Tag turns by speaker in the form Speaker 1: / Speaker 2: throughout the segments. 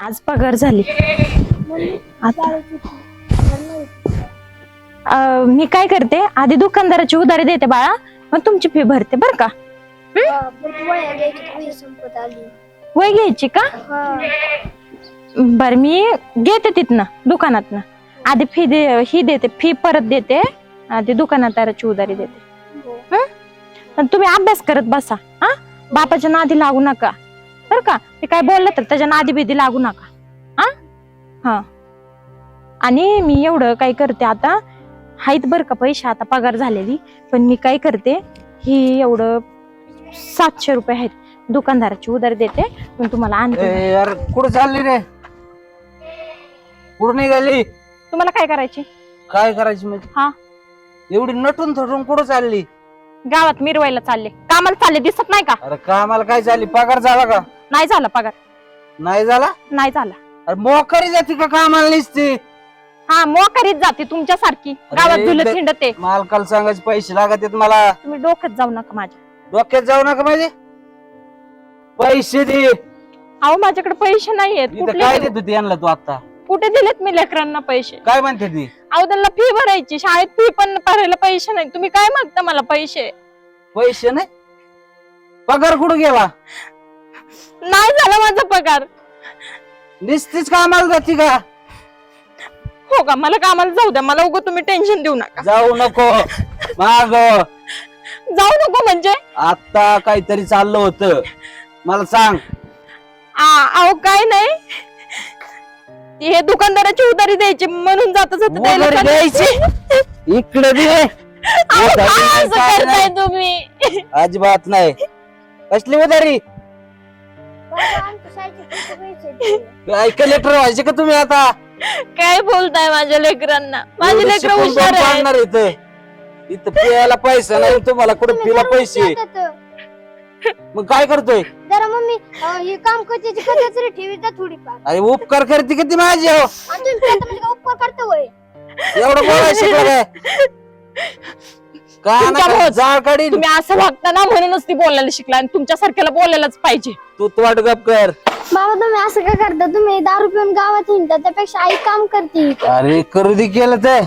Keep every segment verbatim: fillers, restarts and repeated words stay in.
Speaker 1: आज पगार झाली. आता अं, मी काय करते आधी दुकानदाराची उधारी देते बाळा, मग तुमची फी भरते बर का. वय घ्यायची का? बर मी घेते तिथनं दुकानातनं. आधी फी दे ही देते फी परत देते, आधी दुकानदाराची उधारी देते. पण तुम्ही अभ्यास करत बसा हा, बापाच्या नादी लागू नका बर का. ते काय बोललं तर त्याच्या नादी बिदी लागू नका हा. हा आणि मी एवढं काय करते आता, हाईत बर का पैसे आता पगार झालेली, पण मी काय करते ही एवढं सातशे रुपये आहेत दुकानदाराची उधारी देते, पण तुम्हाला आणते.
Speaker 2: यार कुठं चालली रे? कुठं निघाली?
Speaker 1: तुम्हाला काय करायची?
Speaker 2: काय करायची म्हणजे?
Speaker 1: हा
Speaker 2: एवढी नटून थटून कुठं चालली?
Speaker 1: गावात मिरवायला चालले, कामाला चालले, दिसत नाही का?
Speaker 2: अरे कामाला काय चालली? पगार झाला का?
Speaker 1: नाही झाला पगार,
Speaker 2: नाही झाला?
Speaker 1: नाही झाला.
Speaker 2: अरे मोकरी जाती का कामाला निसती?
Speaker 1: हा मोकरीत जाते तुमच्यासारखी, गावात
Speaker 2: अरे,
Speaker 1: धुलत
Speaker 2: इकडे-
Speaker 1: हिंडते.
Speaker 2: मालकाला सांगायचे पैसे लागत आहेत मला.
Speaker 1: तुम्ही डोक्यात जाऊ नका माझ्या.
Speaker 2: डोक्यात जाऊ नका म्हणजे पैसे दे.
Speaker 1: अहो माझ्याकडे पैसे नाहीयेत.
Speaker 2: इथं
Speaker 1: कुठले
Speaker 2: काय
Speaker 1: देऊ?
Speaker 2: देत होती यांना तू आता?
Speaker 1: कुठे दिलेत मी लेकरांना पैसे?
Speaker 2: काय म्हणते ती?
Speaker 1: अहो त्यांना फी भरायची, शाळेत फी पण भरायला पैसे नाही. तुम्ही काय मागता मला पैसे?
Speaker 2: पैसे नाही? पगार कुठं गेला?
Speaker 1: नाही झाला माझा पगार.
Speaker 2: निसतीच कामाला जाती का?
Speaker 1: हो का? मला कामाला जाऊ द्या, मला उगं तुम्ही टेन्शन देऊ नका.
Speaker 2: जाऊ नको माग.
Speaker 1: जाऊ नको म्हणजे?
Speaker 2: आता काहीतरी चाललं होतं, मला सांग.
Speaker 1: आ- अहो काय नाही, हे दुकानदाराची उधारी द्यायची म्हणून जाता जाता द्यायला
Speaker 2: उधारी
Speaker 1: चालले.
Speaker 2: इकडे दे.
Speaker 1: अहो,
Speaker 2: उधारी
Speaker 1: काय
Speaker 2: नाही,
Speaker 1: असं
Speaker 2: काय
Speaker 1: करताय
Speaker 2: नाही.
Speaker 1: तुम्ही?
Speaker 2: अजिबात नाही. कसली उधारी? काय कलेक्टर व्हायचे का तुम्ही आता?
Speaker 1: काय बोलताय माझ्या लेकरांना? माझे
Speaker 2: एवढं
Speaker 1: लेकर
Speaker 2: शिकून
Speaker 1: हुशार
Speaker 2: पण
Speaker 1: आहे.
Speaker 2: पाडणार इथं. इथं पियाला पैसा नाही, तुम्हाला कुठे पिला पैसे. मग काय करतोय?
Speaker 3: जरा मम्मी अं, हे काम करते कधी ठेवी जा थोडीफार.
Speaker 2: अरे उपकार करते किती माझी हो.
Speaker 3: आणि तुम्ही स्वतः म्हणजे काय उपकार करता होय?
Speaker 2: एवढं बोलायला शिकलं काय? का
Speaker 1: तुमच्या
Speaker 2: ना
Speaker 1: भावाचं-
Speaker 2: जाळ काढीन.
Speaker 1: तुम्ही असं वागता ना म्हणूनच ती बोलायला शिकला, आणि तुमच्यासारख्याला बोलायलाच पाहिजे.
Speaker 2: तू तू वाट गप कर.
Speaker 3: बाबा तुम्ही असं काय करता? तुम्ही दारू पिऊन गावात हिंडता, त्यापेक्षा आई काम करते.
Speaker 2: अरे करू दे केलं तर.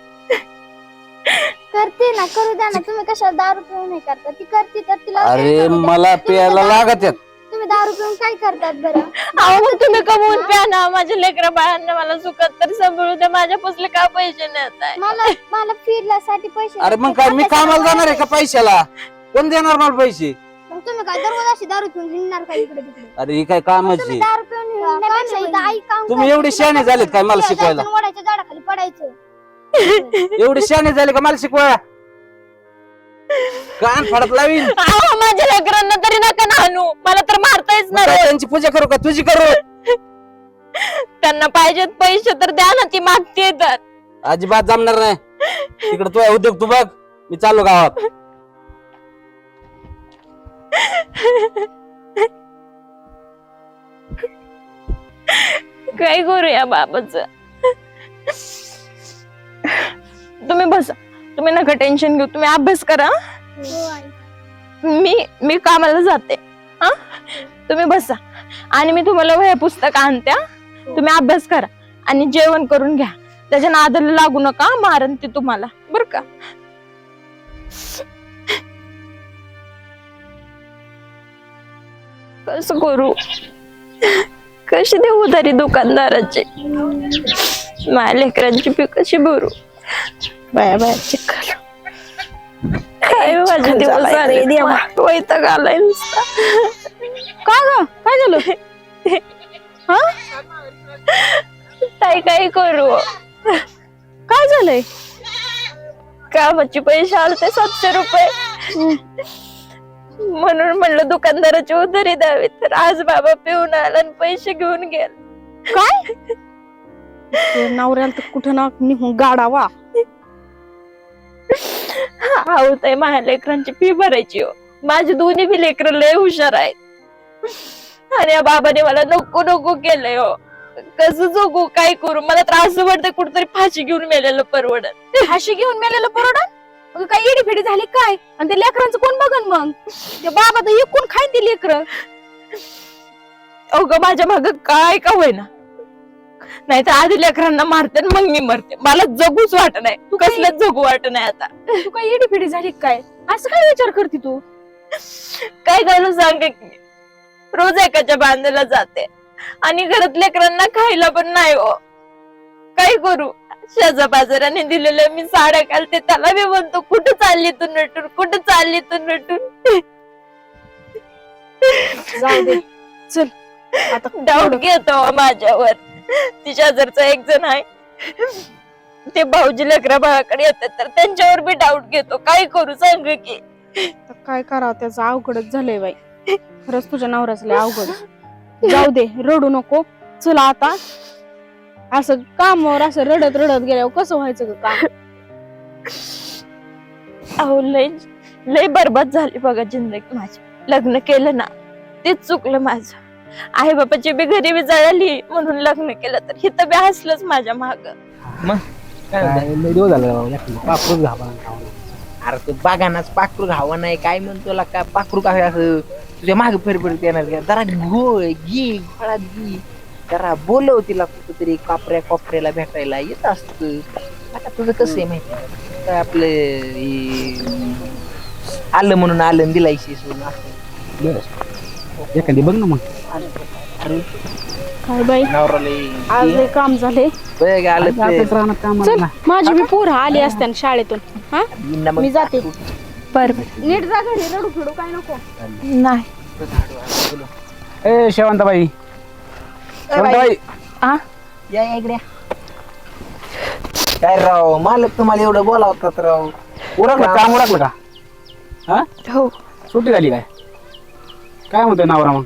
Speaker 3: करते ना, करू द्या ना. तुम्ही कशाला दारू पिऊन हे करता? ती करते तर तिला काय
Speaker 2: अरे
Speaker 3: करू द्या.
Speaker 2: मला
Speaker 3: तुम्ही
Speaker 2: प्यायला
Speaker 3: तर
Speaker 2: लागत आहेत.
Speaker 3: तुम्ही दारू पिऊन काय करतात बरं?
Speaker 1: अहो मग तुम्ही कमवून प्या ना, माझ्या लेकरा बाळांना मला सुखात तर सांभाळू द्या. माझ्या पुसले का पैसे नेत आहे?
Speaker 3: मला मला फिरण्यासाठी पैसे
Speaker 2: अरे मग
Speaker 3: लागतात.
Speaker 2: काय मी कामाला जाणार आहे का पैशाला? कोण देणार मला पैसे?
Speaker 3: मग तुम्ही काय दररोज अशी दारू पिऊन हिंडणार का इकडे तिकडे?
Speaker 2: अरे ही काय
Speaker 3: तुम्ही
Speaker 2: कामाची?
Speaker 3: दारू पिऊन हिंडण्यापेक्षा इथं आई काम
Speaker 2: तुम्ही
Speaker 3: करते.
Speaker 2: एवढे शहाणे झालेत काय मला शिकवायला?
Speaker 3: जायचं, वडाच्या झाडाखाली पडायचं.
Speaker 2: एवढे शहाणे झाले का मला शिकवायला? कान फाडत लावीन.
Speaker 1: अहो माझ्या लेकरांना तरी नका ना आणू, मला तर मारतायच
Speaker 2: मग काय
Speaker 1: नाही.
Speaker 2: त्यांची पूजा करू का तुझी करू?
Speaker 1: त्यांना पाहिजेत पैसे तर द्या ना, ती मागते तर.
Speaker 2: अजिबात जमणार नाही. तिकडे तू उद्योग तू बघ, मी चाललो गावात.
Speaker 1: काय करू या बाबाच? तुम्ही बसा, तुम्ही नका टेन्शन घेऊ, तुम्ही अभ्यास करा.
Speaker 3: हो आई.
Speaker 1: मी मी कामाला जाते हा, तुम्ही बसा आणि मी तुम्हाला वह्या पुस्तक आणत्या. तुम्ही अभ्यास करा आणि जेवण करून घ्या. त्याच्या नादाला लागू नका, मारन ते तुम्हाला बर का. कसं करू, कशी देऊ उधारी दुकानदाराची? माझ्या लेकरांची फी कशी भरू? बाया बाया चिखल काय माझे दिवस आले, वैताग आलाय नुसता. का ग काय झालं? हा काय काय करू? काय झालंय? कामाचे पैसे आलते सातशे रुपये, म्हणून म्हणलं दुकानदाराची उधारी द्यावी, तर आज बाबा पिऊन आला आणि पैसे घेऊन गेला. काय नवऱ्याला तर कुठं ना निघून गाडावा. आहो ताई, माझ्या लेकरांची फी भरायची हो. माझी दोन्ही बी लेकर लय हुशार आहेत, आणि या बाबाने मला नको नको केलंय हो. कसं जगू, काय करू? मला त्रास वाटतंय, कुठतरी फाशी घेऊन मेलेलं परवडत.
Speaker 4: फाशी घेऊन मेलेलं परवडत? मग काय इडी फिडी झाली काय? आणि ते लेकरांचं कोण बघन मग? ते बाबा तर एकूण खाईन ती लेकर.
Speaker 1: अवघं माझ्या माग काय का होईना, नाही तर आधी लेकरांना मारते आणि मग मी मरते. मला जगूच वाट नाही, तू कसलं जगू वाट नाही आता.
Speaker 4: तू काय इडी फिडी झाली काय? असं काय विचार करते तू?
Speaker 1: काय घालू सांग की, रोज एकाच्या बांधायला जाते आणि घरात लेकरांना खायला पण नाही हो. काय करू? शेजा बाजाराने दिलेलं मी साड्या घालते, त्याला मी म्हणतो कुठं चालली तू नटून, कुठं चालली तू नटून.
Speaker 4: जाऊ दे, चल आता
Speaker 1: डाऊट घेतो माझ्यावर. तिच्या जरचा एक जण आहे, ते भाऊजी लेकरा भावाकडे येतात तर त्यांच्यावर बी डाऊट घेतो. काय करू सांग की?
Speaker 4: आता काय करावं, त्याचं अवघडच झालंय बाई. खरंच तुझ्या नवऱ्याचं लय अवघड. जाऊ दे, रडू नको. चला आता, असं कामावर असं रडत रडत गेल्यावर कसं व्हायचं ग काम?
Speaker 1: अहो लय लय बरबाद झाली बघा जिंदगी माझी. लग्न केलं ना तेच चुकलं माझं. आई बापाची बी गरिबी जळाली म्हणून लग्न केलं, तर हिथं बी हसलंच माझ्या माग.
Speaker 5: मग काय
Speaker 6: काय लय दिवस झाले बाबा, एकटं पाखरूच घाबा खावं.
Speaker 5: अरे तू बागानाच पाखरू घावा नाही काय म्हणतो ला का पाखरू काय असं तुझ्या मागे फरफरत येणार का? जरा घोळ घे फळात घे, जरा बोलव तिला कुठेतरी कापऱ्या कोपऱ्याला भेटायला येत असत. आता तुझं कसं आहे माहिती आहे? काय आपलं हे, आलं म्हणून आलं दिलायशी सोडून असं
Speaker 6: बरं एखादी बघ ना मग.
Speaker 5: अरे
Speaker 4: काय बाई,
Speaker 5: नवराला
Speaker 4: आज लय काम झाले.
Speaker 5: बघ आलं ते.
Speaker 6: आपल्याच रानात काम
Speaker 4: चल, माझी मी पोरं आली असते ना शाळेतून. हा,
Speaker 5: येईन ना मग.
Speaker 4: मी जाते.
Speaker 1: बर
Speaker 4: नीट जा घरी, रडू फिडू काय नको.
Speaker 1: नाही.
Speaker 6: ए शेवंताबाई, शेवंताबाई
Speaker 1: आ
Speaker 5: या या इकडे. काय राव मालक तुम्हाला एवढं बोलावतात राव.
Speaker 6: उरकलं काम उरकलं का? हा
Speaker 1: हो.
Speaker 6: सुट्टी झाली काय? काय म्हणतोय नवरा मग?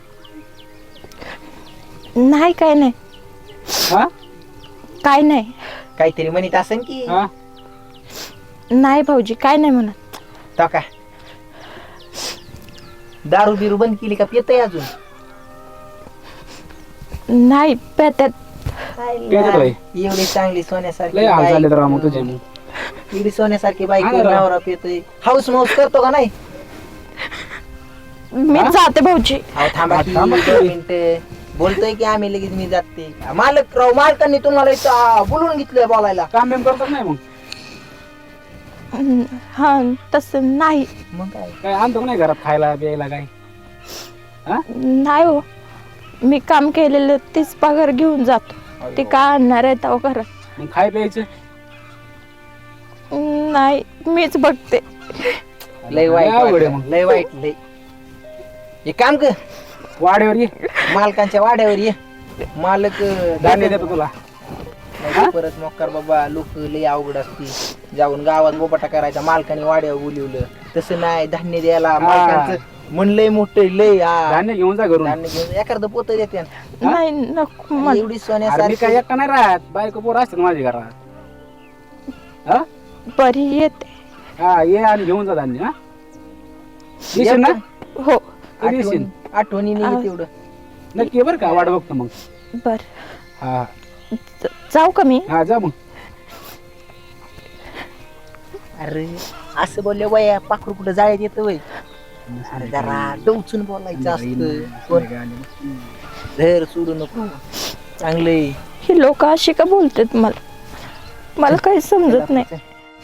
Speaker 1: नाही काय नाही,
Speaker 6: हा
Speaker 1: काय नाही.
Speaker 5: काहीतरी म्हणत असेल की
Speaker 6: हा
Speaker 1: नाही भाऊजी, काय नाही म्हणत.
Speaker 5: तो काय दारू बिरू बंद केली का? पितय अजून?
Speaker 1: नाही पेत्यात.
Speaker 6: पेत्यात होय?
Speaker 5: एवढी चांगली सोन्यासारखी
Speaker 6: लय हाल
Speaker 5: बाई,
Speaker 6: झाले तर मग तुझे मग.
Speaker 5: एवढी सोन्यासारखी बाईक
Speaker 6: हा ना राव.
Speaker 5: नवरा पितोय. हाऊस माऊस करतो का नाही?
Speaker 1: मी जाते भाऊजी.
Speaker 5: अहो थांबा की,
Speaker 6: थांबा की.
Speaker 5: दोन मिनिटं. बोलतोय की आम्ही लगेच मी जाते. मालक राव मालकांनी तुम्हाला इथं आ, बोलवून घेतलंय बोलायला.
Speaker 6: काम बिम करतात नाही मग?
Speaker 1: हा तसं नाही.
Speaker 5: मग काय
Speaker 6: काय आणतो का नाही घरात खायला प्यायला काय?
Speaker 1: नाही हो, मी काम केलेलं तीच पगार घेऊन जातो. ते काय आणणार आहे तेव्हा घरात?
Speaker 6: मग खाय प्यायचं?
Speaker 1: नाही, मीच बघते.
Speaker 5: लय वाईट
Speaker 6: अवघड आहे
Speaker 5: वाटलं.
Speaker 6: मग.
Speaker 5: लय वाईट लय. एक काम कर,
Speaker 6: वाड्यावर ये,
Speaker 5: मालकांच्या वाड्यावर ये. मालक अं,
Speaker 6: धान्य देतो तुला.
Speaker 5: नाही परत मोकार बाबा लोक लय अवघड असते. जाऊन गावात बोबाटा करायचा, मालकाने वाड्यावर बोलिवलं. तसं नाही, धान्य द्यायला मालकांचं मन लय मोठं लय. हा.
Speaker 6: धान्य घेऊन जा घरून.
Speaker 5: धान्य घेऊन एखादं पोत देते.
Speaker 1: नाही नको मला.
Speaker 5: एवढी
Speaker 6: अरे मी
Speaker 5: सोन्यासारखी
Speaker 6: काय एकटा नाही राहत, बायको पोर असतात माझ्या घरात. हा
Speaker 1: बरी येते.
Speaker 6: हा ये आणि घेऊन जा धान्य. हा येशील ना?
Speaker 1: हो
Speaker 6: कधी येशील?
Speaker 5: आठवणी- आठवणीने
Speaker 1: आ-
Speaker 5: तेवढं.
Speaker 6: नक्की बरं का? वाट बघतो मग.
Speaker 1: बर.
Speaker 6: हा
Speaker 1: ज- जाऊ का मी?
Speaker 6: हा जा मग.
Speaker 5: अरे असं बोलले वया पाखरू कुठं जाळ्यात येतं वय. अरे जरा डोचून बोलायचं असतं. कोण धर सोडू नको. चांगले
Speaker 1: ही लोक अशी का बोलतात मला? मला काही समजत नाही.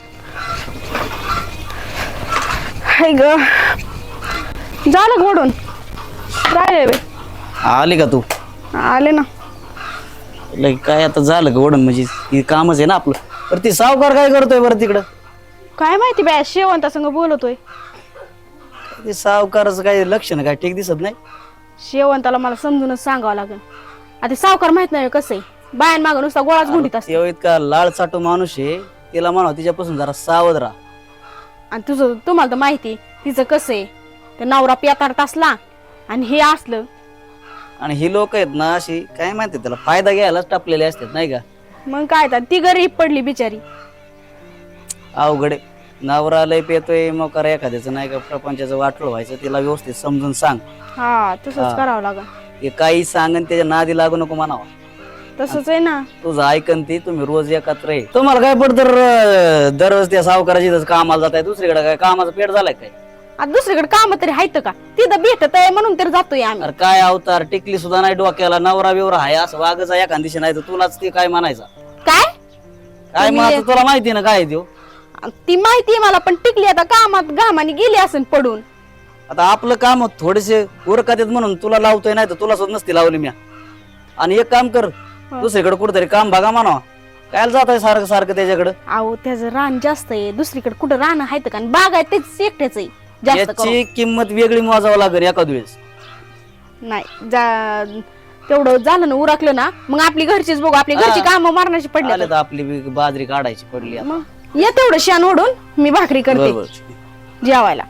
Speaker 1: हाय ग,
Speaker 4: झालं घोडून राहिले बाई.
Speaker 7: आले का तू?
Speaker 4: आले ना.
Speaker 7: लय काय आता झालं का ओढण? म्हणजे हे कामच आहे ना आपलं. तर ती सावकार काय करतोय बरं तिकडं?
Speaker 4: काय माहिती बाय, शेवंता संग बोलतोय.
Speaker 7: ते सावकाराचं काय लक्षण काय ठीक दिसत नाही.
Speaker 4: शेवंताला मला समजूनच सांगावं लागेल. आता सावकार माहित नाही कसं आहे, बायां मागं नुसता गोळाच गुंडीत असते.
Speaker 7: तेव्हा इतका लाळ चाटू माणूस आहे, तिला म्हणावं तिच्यापासून जरा सावध राहा.
Speaker 4: आणि तुझं तुम्हाला तर माहिती तिचं कसं आहे, ते नवरा पियाताडत असला आणि हे असलं.
Speaker 7: आणि ही लोक आहेत ना अशी काय माहिती त्याला फायदा घ्यायलाच टापलेले असतात नाही का?
Speaker 4: मग काय तर ती गरीब पडली बिचारी.
Speaker 7: अवघड आहे. नवरा लय पेतोय मग करा एखाद्याचं नाही का प्रपंचाचं वाटलं व्हायचं, तिला व्यवस्थित समजून सांग.
Speaker 4: हा तसंच
Speaker 7: हा.
Speaker 4: करावं लागल.
Speaker 7: हे काही सांग आणि त्याच्या नादी लागू नको म्हणावा.
Speaker 4: तसंच आहे ना.
Speaker 7: तुझं ऐकन ती तुम्ही रोज एकत्र आहे. तुम्हाला काय पडतं र- दररोज त्या सावकाराची इथंच कामाला जात आहे, दुसरीकडे काय कामाचा पेट झालाय काय?
Speaker 4: आता दुसरीकडे काम तरी आहेत का? तिथं भेटत आहे म्हणून तर जातोय आम्ही.
Speaker 7: अरे काय अवतार, टिकली सुद्धा नाही डोक्याला, नवरा बिवरा आहे असं वागायचा एका दिवशी नाही तर तुलाच ते काय म्हणायचा.
Speaker 4: काय
Speaker 7: काय मग आता तुला माहिती ना काय देऊ.
Speaker 4: ती माहिती मला, पण टिकली आता कामात घामाने गेली असेल पडून.
Speaker 7: आता आपलं काम थोडेसे उरकत आहेत म्हणून तुला लावतोय, नाही तर तुला सुद्धा नसती लावली मी. आणि एक काम कर, दुसरीकडे कुठेतरी काम बघा म्हणा. काय जात आहे सारखं सारखं त्याच्याकडे.
Speaker 4: अहो त्याचं रान जास्त आहे, दुसरीकडे कुठं रान आहेत का? बाग आहे तेच एकट्याच आहे जास्त करून.
Speaker 7: याची किंमत वेगळी मोजावं लागेल एखाद वेळेस.
Speaker 4: नाही जा- तेवढं झालं ना, उरकलं ना, मग आपली घरचीच बघू. आपली घरची
Speaker 7: हा.
Speaker 4: कामं मारण्याची पडली
Speaker 7: आले तर आपली बी बाजरी काढायची पडली आता.
Speaker 4: मग ये तेवढं शान ओढून मी भाकरी करते
Speaker 7: बरोबर.
Speaker 4: जेवायला.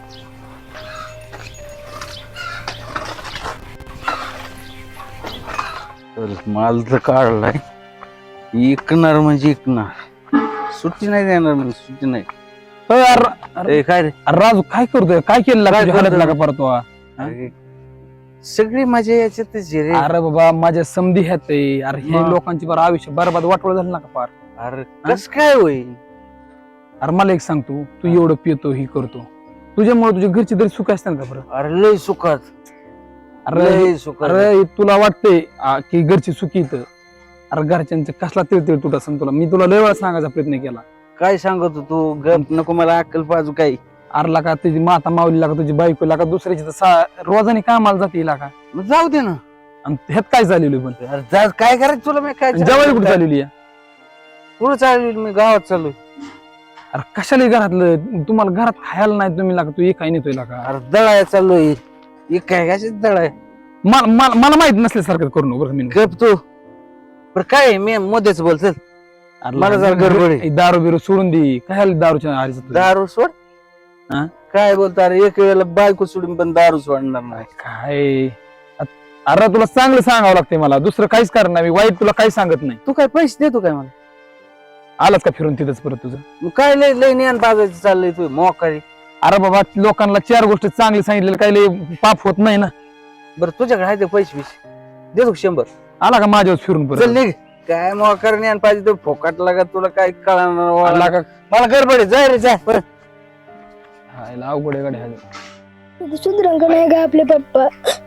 Speaker 2: तर माल तर काढलाय, इकणार म्हणजे इकणार, सुट्टी नाही देणार म्हणजे सुट्टी नाही.
Speaker 6: अरे, अरे,
Speaker 2: ए, काय रे
Speaker 6: अरे राजू काय करतोय? काय केलं
Speaker 2: काय
Speaker 6: लागलं
Speaker 2: करतोय?
Speaker 6: लागा परतो?
Speaker 2: अरे, सगळी माझ्या याच्यातच आहे रे.
Speaker 6: अरे बाबा माझ्या समधी ह्यात आहे. अरे हे
Speaker 2: मग.
Speaker 6: लोकांची बरं आयुष्य बरबाद वाटवळ झालं ना का पार.
Speaker 2: अरे कस काय होईल?
Speaker 6: अरे मला एक सांगतो, तू एवढं पितो ही करतो, तुझ्यामुळे तुझ्या घरची तरी सुख असतात का बरं?
Speaker 2: अरे लय सुखात,
Speaker 6: अरे
Speaker 2: लय सुखात.
Speaker 6: अरे तुला वाटतंय आ, की घरची सुखी इथं. अरे घरच्यांचं कसला तिळतिळ तुट असं तुला मी तुला लय वेळा सांगायचा प्रयत्न केला.
Speaker 2: काय सांगतो तू? गप नको मला अक्कल पाजू काही.
Speaker 6: अरे लागा तुझी माता माऊली लागा, तुझी बायको लागा, दुसऱ्याची तर सा- रोजाने कामाला जाते लागा.
Speaker 2: मग जाऊ दे ना.
Speaker 6: आणि ह्यात काय झालेलं पण?
Speaker 2: अरे जा, काय करायचं तुला? मी काय
Speaker 6: जेवायला कुठे झालेली आहे?
Speaker 2: कुठं चालू? मी गावात चालू.
Speaker 6: अरे कशाला घरातलं? तुम्हाला घरात खायला नाही तुम्ही लागा, तू एक काय नेतोय लागा.
Speaker 2: अरे दळाय चाललोय. एक काय कशाच दळाय?
Speaker 6: मला मला- मला माहित नसल्यासारखं करू नको बरं मी.
Speaker 2: गप तू. बरं काय आहे? मी मध्येच बोलतो.
Speaker 6: अरे
Speaker 2: मला जरा गडबड आहे.
Speaker 6: दारू बिरू सोडून दे. काय दारूच्या आरीचं तुझं?
Speaker 2: दारू सोड.
Speaker 6: हा?
Speaker 2: काय बोलतो? अरे एक वेळेला बायको सोडून पण दारू सोडणार नाही.
Speaker 6: काय अरे तुला चांगलं सांगावं लागतंय मला, दुसरं काहीच कारण नाही. मी वाईट तुला काही सांगत नाही.
Speaker 2: तू काय पैसे देतो काय मला?
Speaker 6: आलाच का फिरून तिथंच परत तुझं?
Speaker 2: मग काय लय लय ज्ञान पाजायचं चाललंय तू मोकारी.
Speaker 6: अरे बाबा लोकांना चार गोष्टी चांगली सांगितलेलं काही लय पाप होत नाही ना.
Speaker 2: बरं तुझ्याकडे आहे ते पैसे बिसे देतो का शंभर?
Speaker 6: आला का माझ्यावर फिरून
Speaker 2: चल
Speaker 6: परत?
Speaker 2: निघ. काय मोकार ज्ञान पाहिजे तो फोकाट लागा, तुला काय कळणार?
Speaker 6: आला का?
Speaker 2: मला गडबड आहे. जाय रे जा. बरं.
Speaker 6: हायला अवघड आहे गाडी.
Speaker 3: सुधरंग नाही का आपले पप्पा?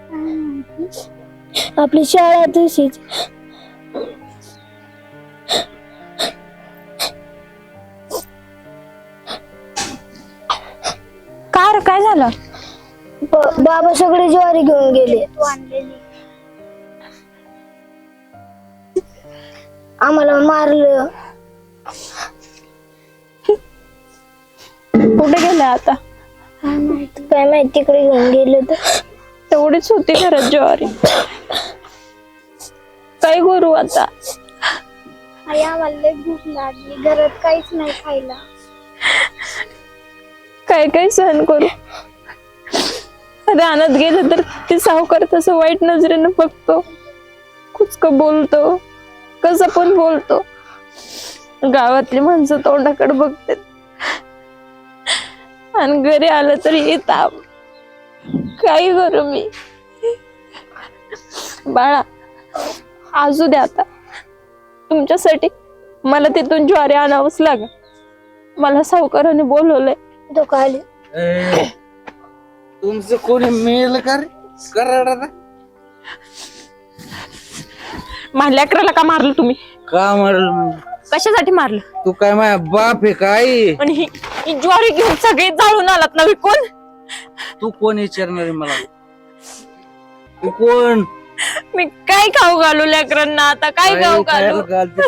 Speaker 3: आपली शाळा तशीच.
Speaker 1: का रे, काय झालं?
Speaker 3: ब- बाबा सगळे ज्वारी घेऊन गेले. आम्हाला मारलं.
Speaker 1: कुठे गेलं आता?
Speaker 3: काय माहिती तिकडे घेऊन गेले तर.
Speaker 1: तेवढीच होती घरात ज्वारी. काय करू आता?
Speaker 3: आई आम्हाला लय भूक लागली, घरात काहीच नाही खायला.
Speaker 1: काय काय सहन करू? रानात गेलं तर ते सावकार तसं वाईट नजरेनं बघतो, कुचक बोलतो, कसं पण बोलतो. गावातली माणसं तोंडाकडे बघतात आणि घरी आलं तरी येतात. काय करू मी? बाळा आजू द्या आता. तुमच्यासाठी मला तिथून ज्वारी आणावंच लागेल. मला सावकाराने बोलवलंय.
Speaker 3: तो खाली
Speaker 2: तुमचं कोणी मेल का रे? कराडा
Speaker 1: माझ्या लेकराला का मारलं तुम्ही?
Speaker 2: का मारल म्हणजे?
Speaker 1: कशासाठी मारलं?
Speaker 2: तू काय माझ्या बाप आहे काय?
Speaker 1: आणि ही ही ज्वारी घेऊन सगळे जाळून आलात ना विकून.
Speaker 2: तू कोण विचारणार आहे मला? तू कोण?
Speaker 1: मी काय खाऊ घालू लेकरांना आता? काय खाऊ घालू?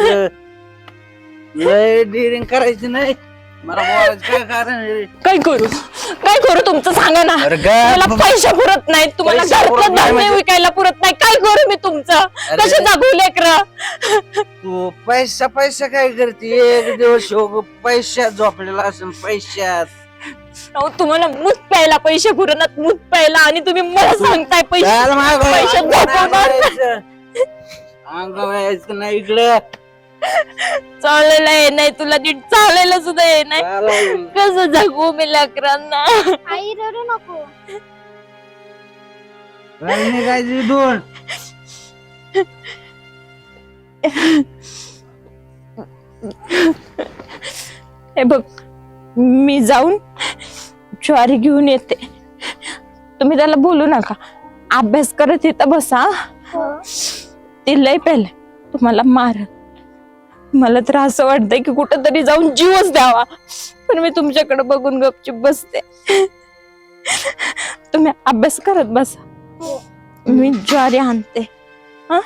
Speaker 2: लय डिरिंग करायची नाही. मला बोलायचं काय कारण आहे?
Speaker 1: काय करू? काय करू तुमचं सांगा ना.
Speaker 2: अरे काय?
Speaker 1: मला पैसे पुरत नाहीत, तुम्हाला
Speaker 2: पैसे
Speaker 1: घरचं
Speaker 2: पुरत नाही
Speaker 1: धान्य
Speaker 2: म्हणजे?
Speaker 1: विकायला पुरत नाही. काय करू मी तुमचं?
Speaker 2: अरे.
Speaker 1: कसे जगू लेकरं?
Speaker 2: तू पैसा पैसा काय करते? एक दिवस योग पैशात झोपलेला असेल. पैशात
Speaker 1: अहो, तुम्हाला मूत प्यायला पैसे पुरणार, मूत प्यायला, आणि तुम्ही मला सांगताय पैसे
Speaker 2: चाल मागं.
Speaker 1: पैशात झोपवणार.
Speaker 2: अंग व्हायचं नाही इकडं.
Speaker 1: चाललेलं आहे नाही, तुला नीट चालायला सुद्धा ये नाही.
Speaker 2: चालेल.
Speaker 1: कसं जगू मी लेकरांना?
Speaker 3: आई रडू नको.
Speaker 2: काय निघायची दोन?
Speaker 1: हे बघ, मी जाऊन ज्वारी घेऊन येते. तुम्ही त्याला बोलू नका, अभ्यास करत इथं बसा.
Speaker 3: हो.
Speaker 1: ते लय पेले तुम्हाला मार. मला तर असं वाटतंय की कुठं तरी जाऊन जीवच द्यावा, पण मी तुमच्याकडे बघून गपचूप बसते. तुम्ही अभ्यास करत बसा, मी ज्वारी आणते. हा?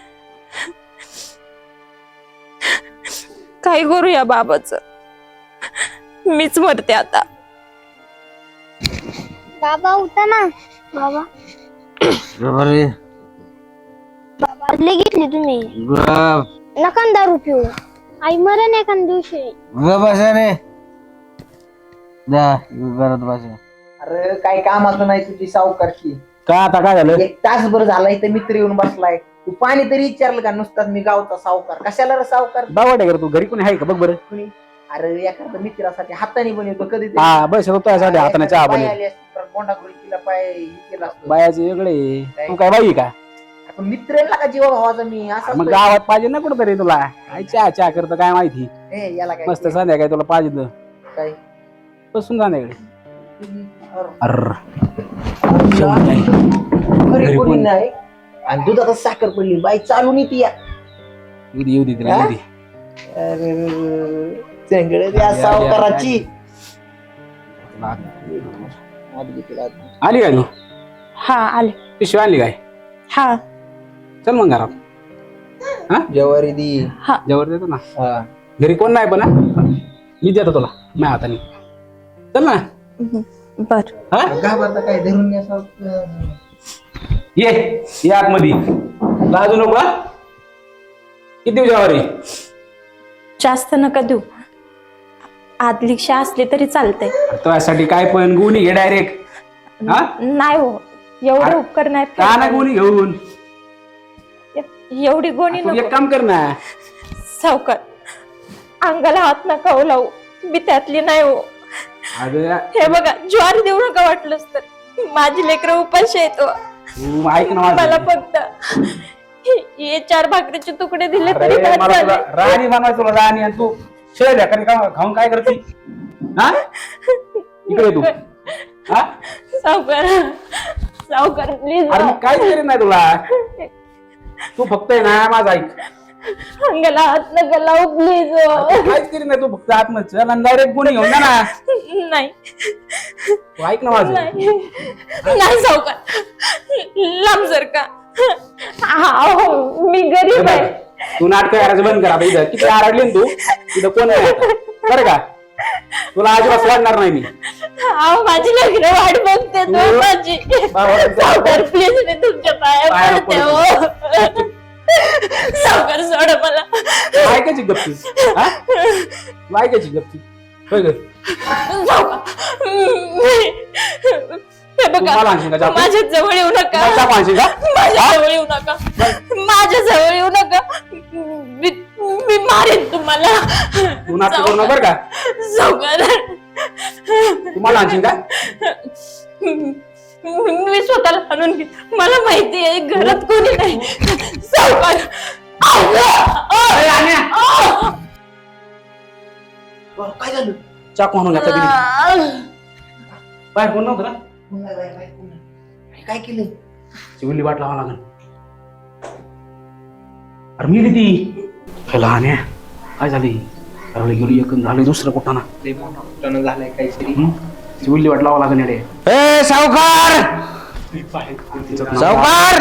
Speaker 1: काय करू या बाबाच, मीच मरते आता.
Speaker 3: बाबा उठा ना. बाबा
Speaker 2: अरे
Speaker 3: बादली घेतली तुम्ही, नका ना दारू पिऊ. आई मरण एखाद दिवशी.
Speaker 5: अरे काय कामाचं नाही तुझी सावकारची.
Speaker 2: का आता काय झालं?
Speaker 5: एक तासभर झालाय तर मित्र येऊन बसलाय. तू पाणी तरी विचारलं का? नुसताच मी गावचा सावकार. कशाला रे सावकार?
Speaker 2: दावट आहे का तू? घरी कोणी आहे का बघ बरं.
Speaker 5: कुणी? अरे एखाद्या मित्रासाठी हाताने बनवतो कधी
Speaker 2: हा बस तुझ्यासाठी हाताने चहा बनव.
Speaker 5: बोंडागुळी तिला पाय हे केला असतो.
Speaker 2: बायाचे वेगळे, तू काय बाई का?
Speaker 5: आपण मित्र आहे का जीवा भावाचा मी असं
Speaker 2: मग गावात पाहिजे ना कुठं तुला. काय चहा चहा करतं काय माहिती.
Speaker 5: हे याला काय
Speaker 2: मस्त संध्याकाळी तुला पाहिजे तर
Speaker 5: काय
Speaker 2: बसून संध्याकाळी.
Speaker 5: अरे,
Speaker 2: अरे
Speaker 5: घरी कोणी नाही आणि दुधात साखर पडली. बाई चालून येते या.
Speaker 2: येऊ दे येऊ दे तिला, येऊ दे.
Speaker 5: अरे चेंगडे त्या सावकाराची.
Speaker 2: आली काय तू?
Speaker 1: हा आले.
Speaker 2: पिशवी आणली काय?
Speaker 1: हा
Speaker 2: चल मग घरात. हा
Speaker 5: जवारी दी.
Speaker 2: जेवण देतो ना.
Speaker 5: हा.
Speaker 2: घरी कोण नाही पण हा? मी देतो तुला माझ्या हाताने. चल ना.
Speaker 1: बर.
Speaker 2: हा
Speaker 5: घाबरता काय धरून या सावकार.
Speaker 2: ये ये आतमध्ये. लाजू नको हा? किती देऊ जेवारी?
Speaker 1: जास्त नका देऊ, आदलीक्षा असली तरी चालतंय.
Speaker 2: तुझ्यासाठी काय पण गुणी घे डायरेक्ट. हा
Speaker 1: नाही हो, एवढे
Speaker 2: अरे,
Speaker 1: उपकार नाही
Speaker 2: का ना गुणी घेऊन.
Speaker 1: फेडायचे. एवढी गोणी
Speaker 2: तू
Speaker 1: नको.
Speaker 2: एक काम कर ना.
Speaker 1: सावकार, अंगाला हात नका हो लावू, मी त्यातली नाही हो.
Speaker 2: अरे
Speaker 1: हे बघा, ज्वारी देऊ नका वाटलंच तर. माझी लेकरं उपाशी येतो.
Speaker 2: तू ऐक ना माझं.
Speaker 1: मला फक्त हे चार भाकरीचे तुकडे दिले तरी
Speaker 2: अरे,
Speaker 1: बस
Speaker 2: मला तुला
Speaker 1: झाले.
Speaker 2: राणी बनवायचं तुला राणी, आणि तू शेळ ढेकण का खाऊन काय करते? हा इकडे तू. हा
Speaker 1: सावकार, सावकार प्लीज
Speaker 2: अरे मी काहीच करीत नाही तुला. तू फक्त आहे ना माझं ऐक.
Speaker 1: अंगाला हात नका लावू प्लीज.
Speaker 2: तू काहीच करीत नाही, तू फक्त आतमध्ये चल आणि डायरेक्ट गुणी घेऊन जा ना.
Speaker 1: नाही
Speaker 2: तू ऐक ना माझं.
Speaker 1: नाही नाही सावकार, लांब सर का. मी गरीब आहे.
Speaker 2: तू नाटक करायचं बंद कर आता. इथं किती आरडली ना तू, तिथं कोण नाही आता. बरं का? तुला अजिबात वाढणार नाही मी.
Speaker 1: अहो, माझी लग्न वाट बघते तो माझी. सावकार प्लीज, मी तुमच्या पाया
Speaker 2: पाया
Speaker 1: पडते हो. सावकार सोडा मला.
Speaker 2: ऐकायची गप्पी. हा तू ऐकायची गप्पी. होय ग.
Speaker 1: सावकार, हे
Speaker 2: तू मला
Speaker 1: बघा,
Speaker 2: आणशील का चाकू?
Speaker 1: माझ्या जवळ येऊ नका.
Speaker 2: मला चाकू आणशील का?
Speaker 1: माझ्या जवळ येऊ नका. माझ्या जवळ येऊ नका. मी मी मारेन तुम्हाला.
Speaker 2: तू नाटक करू नका बरं का?
Speaker 1: सावकार,
Speaker 2: तू मला आणशील का?
Speaker 1: मी स्वतःला आणून घे. मला माहिती आहे घरात कोणी नाही. सावकार,
Speaker 2: अरे, आण्या.
Speaker 5: काय झालं?
Speaker 2: चाकू आणून घ्या कधी. बाहेर कोण नव्हतं ना?
Speaker 5: काय केलं?
Speaker 2: चिवली वाट लावा लागल. अरे मिली ती. लहान आहे. काय झाली? अरे गेली एक झाली दुसरं कुठं ना.
Speaker 5: झालंय काहीतरी.
Speaker 2: चिवली वाट लावा लागल येडे.
Speaker 7: ए सावकार, सावकार,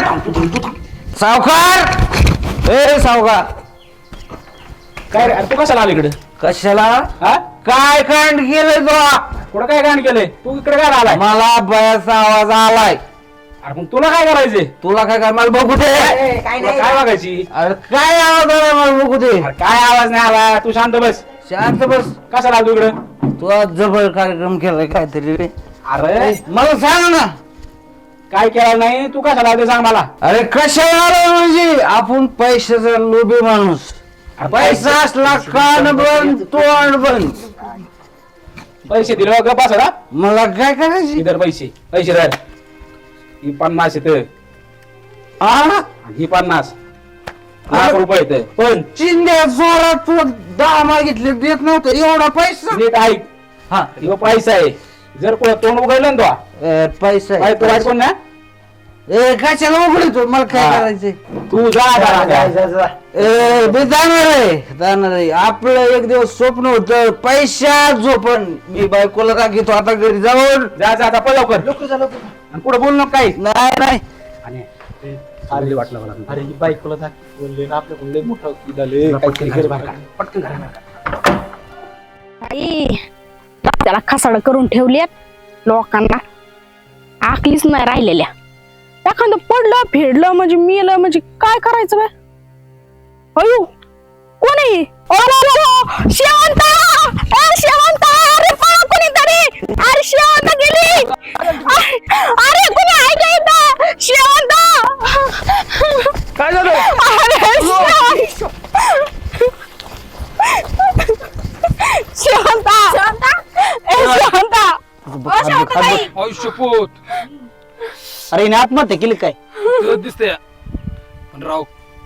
Speaker 7: सावकार, ए सावकार.
Speaker 2: काय रे? अरे तू कशाला आला इकडे?
Speaker 7: कशाला?
Speaker 2: हा
Speaker 7: काय कांड केलंय तुला?
Speaker 2: कुठं काय कांड केलंय? तू इकडे काय आलाय?
Speaker 7: मला बयाचा आवाज आलाय.
Speaker 2: अरे मग तुला काय करायचंय?
Speaker 7: तुला काय काय मला बघू दे.
Speaker 5: काय
Speaker 2: तुला
Speaker 5: नाही.
Speaker 2: काय बघायची?
Speaker 7: अरे काय आवाज आलाय मला बघू दे.
Speaker 2: अरे काय आवाज नाही आला? तू शांत बस.
Speaker 7: शांत बस.
Speaker 2: कशाला आला तू इकडे?
Speaker 7: तू आज जबर कार्यक्रम केलाय काहीतरी रे.
Speaker 2: अरे
Speaker 7: मला सांग ना.
Speaker 2: काय केलं नाही? तू कशाला आला ते सांग मला.
Speaker 7: अरे कशाला आलोय म्हणजे आपण पैशाचा लोभी माणूस. पैसा असला कान बंद तोंड बंद.
Speaker 2: पैसे दिले गप बस ना.
Speaker 7: मला काय करायची?
Speaker 2: इधर पैसे पैसे धर. ही पन्नास येत,
Speaker 7: हा
Speaker 2: ही पन्नास लाख रुपये येत. पण
Speaker 7: चिंध्या जोरात तू दहा मागितले देत नव्हतं एवढा पैसा.
Speaker 2: नीट ऐक.
Speaker 7: हा
Speaker 2: ह्यो पैसा आहे.
Speaker 6: जर कोणा तोंड उघडलं ना
Speaker 5: अ, पैसा
Speaker 6: तो तो बायको ना
Speaker 5: ए कशाला उघडतो मला काय
Speaker 6: हा.
Speaker 5: करायचंय
Speaker 6: तू जा दादा.
Speaker 5: ए मी जाणार आहे जाणार आहे आपलं एक दिवस स्वप्न होतं पैशा झोपण मी बायकोला राखीतो आता घरी जाऊन
Speaker 6: जा जा आता पळ लवकर आणि पुढे बोल नको काही
Speaker 5: नाही नाही
Speaker 6: अरे वाटलं मला
Speaker 2: अरे ही बायकोला दाख बोलले ना आपल्याकडून लय मोठा झाले काहीतरी घर बाहेर काढ.
Speaker 6: पटकन घरा बाहेर काढ.
Speaker 4: आई, त्याला खसाड करून ठेवल्यात लोकांना आकलीच नाही राहिलेल्या. एखादं पडलं फेडलं म्हणजे मेलं म्हणजे काय करायचं बाय? अयो कोण आहे? ओ, लो, लो, लो, शेवंता! ए, शेवंता! अरे पळा कोणीतरी! अरे शेवंता गेली! अरे अरे, कोणी आहे का इथं? शेवंता!
Speaker 6: काय झालं
Speaker 4: अरे शेवंता! शेवंता! ए, शेवंता! ओ, शेवंताबाई!
Speaker 6: आयुष्य पोत
Speaker 7: अरे हिने आत्महत्या केली काय?
Speaker 6: तुला दिसतंय पण राव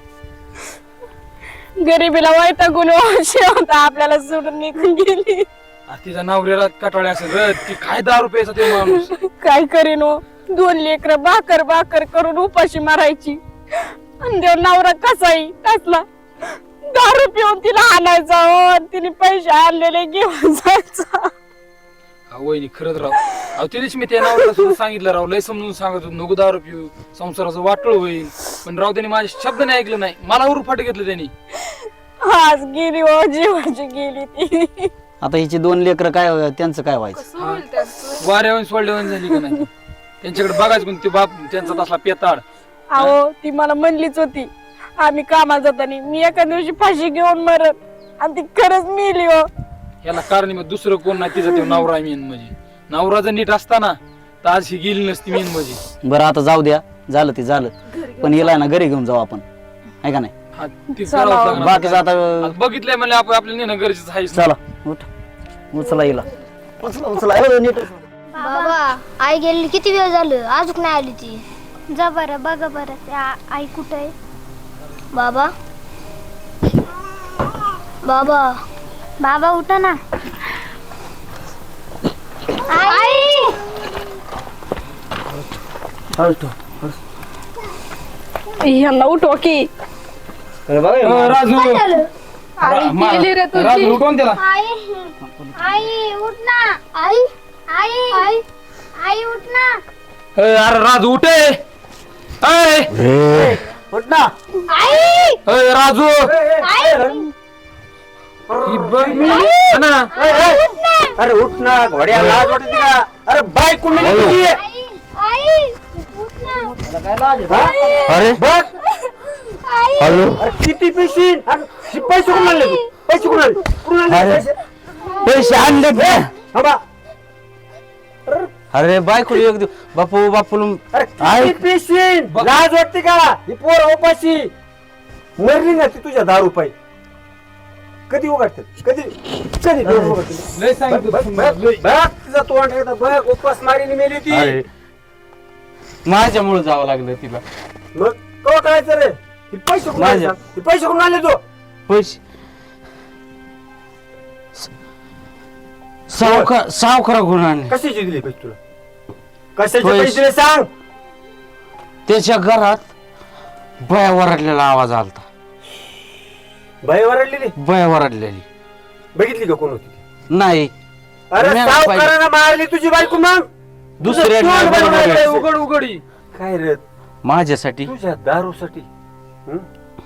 Speaker 4: गरिबीला वैतागून शेवंता आपल्याला सोडून निघून गेली.
Speaker 6: आज तिच्या नवऱ्याला कटाळे असं रद की काय दारू प्यायचा ते माणूस.
Speaker 4: काय करीन हो? दोन लेकर भाकर भाकर करून उपाशी मारायची आणि देव नवरा कसाही कसला दारू पिऊन तिला आणायचा हो आणि तिने पैसे आणलेले घेऊन जायचा.
Speaker 6: हा वहिनी खरंच राव. अहो तिनेच मी त्या नावाला सुद्धा सांगितलं राव, लय समजून सांगत होतो नको दारू पिऊ संसाराचं वाटळ होईल, पण राव त्यांनी माझे शब्द नाही ऐकलं नाही, मला उरफाट घेतलं त्यांनी.
Speaker 4: आज गेली हो जीवाची गेली ती.
Speaker 7: आता हिची दोन लेकर काय त्यांचं काय व्हायचं?
Speaker 6: वाऱ्यावर सोडल्यावर झाली का नाही त्यांच्याकडे बघायचं कोण ते बाप त्यांचा तसला पेताड.
Speaker 4: अहो ती मला म्हणलीच होती आम्ही कामाला जाताना मी एका दिवशी फाशी घेऊन मरत आणि ती खरंच मेली हो.
Speaker 6: याला कारण मग दुसरं कोण नाही, तिचा तो नवरा मेन म्हणजे. नवरा जर नीट असताना तर आज ही गेली नसती मेन म्हणजे.
Speaker 7: बरं आता जाऊ द्या, झालं ते झालं, पण हिला ना घरी घेऊन जाऊ आपण, आहे का नाही?
Speaker 6: हा, ती करावंच लागणार.
Speaker 7: बाकीचं आता
Speaker 6: आता बघितलंय म्हणजे आपण आपल्याला नेणं गरजेचं आहे.
Speaker 7: चला उठ, उचला हिला, उचला उचला ए, नीट.
Speaker 3: बाबा आई गेली किती वेळ झालं अजून नाही आली ती. जा बरं बघा बरं त्या आई कुठं आहे. बाबा बाबा बाबा उठा ना. आई
Speaker 4: ह्यांना उठवा की.
Speaker 6: अ, राजू
Speaker 4: आई
Speaker 6: मा-
Speaker 4: गेली रे तुझी.
Speaker 6: राजू उठवून त्याला.
Speaker 3: आई आई उठ ना. आई आई आई आई उठ ना.
Speaker 6: अ, अरे राजू उठे. अय
Speaker 7: उठ ना.
Speaker 3: आई
Speaker 6: अय, राजू
Speaker 3: आई
Speaker 6: ही बघ मी. हा ना.
Speaker 2: अरे उठ ना घोड्या लाज वाटते का? अरे बायको मेली तुझी.
Speaker 3: आई आई उठ ना.
Speaker 7: अरे
Speaker 2: बघ
Speaker 3: आई
Speaker 2: अरे किती पैसे आणि हे पैसे कोण आणले तू? पैसे कोण आणले? कोण आणले पैसे?
Speaker 7: पैसे आणले
Speaker 2: थांबा.
Speaker 7: अरे बायको एक दिवस बापू बापू
Speaker 2: अरे किती पैसे लाज वाटते का? ही पोर उपाशी मरली ना ती तुझ्या दहा रुपये कधी उघडते कधी कधी डोळे उघडते?
Speaker 6: लय सांगितलं
Speaker 2: बघ,
Speaker 6: तुम्हाला,
Speaker 2: बघ,
Speaker 6: लय.
Speaker 2: बघ, तिचा तोंड एकदा बघ उपास मारीने मेली ती.
Speaker 6: माझ्यामुळे जावं लागलं तिला.
Speaker 2: मग कवा करायचं रे? हे पैसे कोण आणले? हे पैसे कोण आणले तू?
Speaker 5: पैसे सावकार सावकारा गुण आणले.
Speaker 2: कशाचे दिले पैसे तुला? कशाचे
Speaker 5: पैसे.
Speaker 2: पैसे दिले सांग?
Speaker 5: त्याच्या घरात बया वरडलेला आवाज आलता.
Speaker 2: बाई वरडलेली
Speaker 5: बया वरडलेली
Speaker 2: बघितली का कोण होती ती?
Speaker 5: नाही.
Speaker 2: अरे
Speaker 5: मी-
Speaker 2: सावकारानं मारली तुझी बायको मग
Speaker 5: दुसऱ्या
Speaker 2: तुझं तोंड
Speaker 5: बरोबर
Speaker 2: बनवायचं.
Speaker 5: आहे.
Speaker 6: उघड उघडी
Speaker 2: काय रे
Speaker 5: माझ्यासाठी
Speaker 2: तुझ्या दारूसाठी हं?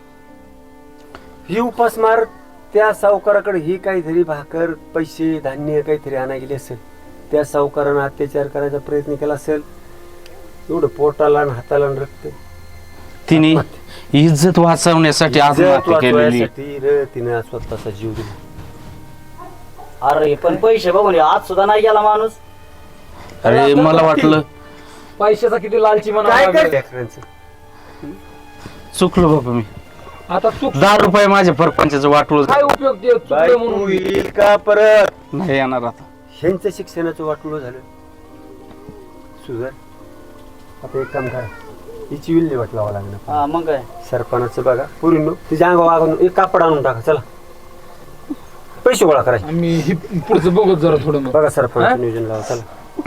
Speaker 2: ही उपास मार त्या सावकाराकडे ही काहीतरी भाकर पैसे धान्य काहीतरी आणा गेले असेल, त्या सावकारानं अत्याचार करायचा प्रयत्न केला असेल, एवढं पोटाला आणि हाताला आणि रक्त
Speaker 5: तिने इज्जत वाचवण्यासाठी
Speaker 2: इज्जत
Speaker 5: आत्महत्या केलेली.
Speaker 2: वाचवायसाठी रे तिने स्वतःचा जीव दिला.
Speaker 7: अरे पण पैसे बघून आज सुद्धा नाही गेला माणूस.
Speaker 5: अरे मला वाटलं
Speaker 6: पैशाचा किती लालची म्हणा
Speaker 2: काय
Speaker 6: लागला.
Speaker 2: कर लेकरांचं?
Speaker 5: चुकलो बाबा मी.
Speaker 6: आता चूक
Speaker 5: दहा रुपये माझ्या परपंचाचं वाटूळ
Speaker 6: काय उपयोग ते चुकलं
Speaker 2: बायको
Speaker 6: म्हणून.
Speaker 2: येईल का परत?
Speaker 5: नाही येणार आता.
Speaker 2: ह्यांचं शिक्षणाचं वाटोळं झालं. सुधर आता एक काम करा, हिची विल्हेवाट लावा लागणार.
Speaker 7: हा मग काय?
Speaker 2: सरपणाचं बघा पुरीनो तिच्या अंगावर आगून एक कापड आणून टाका. चला पैसे गोळा करायचे.
Speaker 6: आम्ही ही पुढचं बघत जरा थोडं मग.
Speaker 2: बघा सरपणाचं नियोजन लावा. चला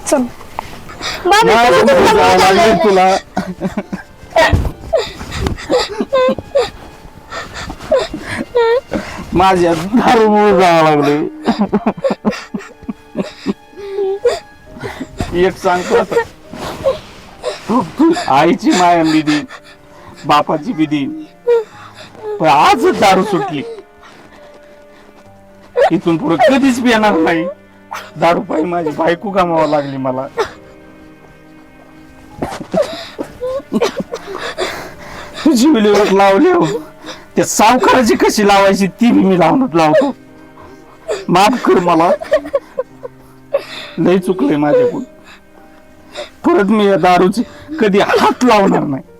Speaker 3: बाबा
Speaker 8: माझं
Speaker 3: तुम्ही
Speaker 8: मूळ
Speaker 3: तुला
Speaker 8: जावं लागले
Speaker 3: बोलायला-
Speaker 8: तुला माझ्या दारूमुळे जावं लागले. एक सांगतो आता, आईची माया मी देईन, बापाची बी देईन, पण आजच दारू सुटली. इथून पुढे कधीच पिणार नाही. दारू पायी माझी बायको गमावा लागली मला. तुझी विल्हेवाट लावली हो, त्या सावकाराची कशी लावायची ती बी मी लावून लावतो. माफ कर मला, लय चुकलंय माझ्याकडून. परत मी या दारूची कधी हात लावणार नाही.